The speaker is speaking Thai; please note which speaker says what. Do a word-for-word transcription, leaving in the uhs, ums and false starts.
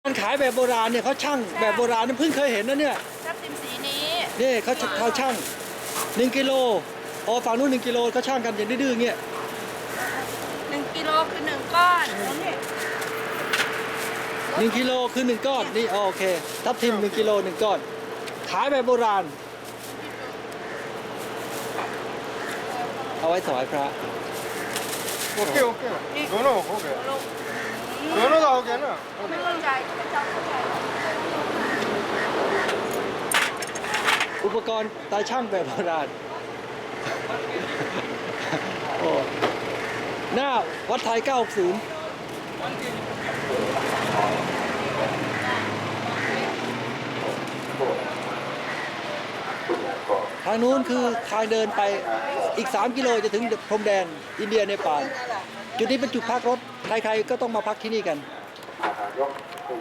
Speaker 1: การขายแบบโบราณเนี่ยเขาช่างแบบโบราณนี่เพิ่งเคยเห็นนะเนี่ย
Speaker 2: ทับทิมสีนี้
Speaker 1: นี่เขาเขาช่างหนึ่งกิโลอ๋อฝั่งนู้นหนึ่งกิโลเขาช่างกันอย่างดื้อๆเงี้ย
Speaker 2: หนึ่งกิโลคือหนึ่งก้อนนี่
Speaker 1: หนึ่งกิโลคือหนึ่งก้อนนี่อ๋อโอเคทับทิมหนึ่งกิโลหนึ่งก้อนขายแบบโบราณเอาไว้ถวายพระ
Speaker 3: โอเคโอเคโน่นโอเคโน่นก็โอเคนะ
Speaker 2: ไม่เข้าใจไม่จำเข้าใจ
Speaker 1: อุปกรณ์ตาช่างแบบโบราณโอ้หน้าวัดไทยเก้าหกศูนย์ทางนู้นคือทางเดินไปอีกสามกิโลจะถึงพรมแดนอินเดียเนปาลจุดนี้เป็นจุดพักรถใครๆก็ต้องมาพักที่นี่กัน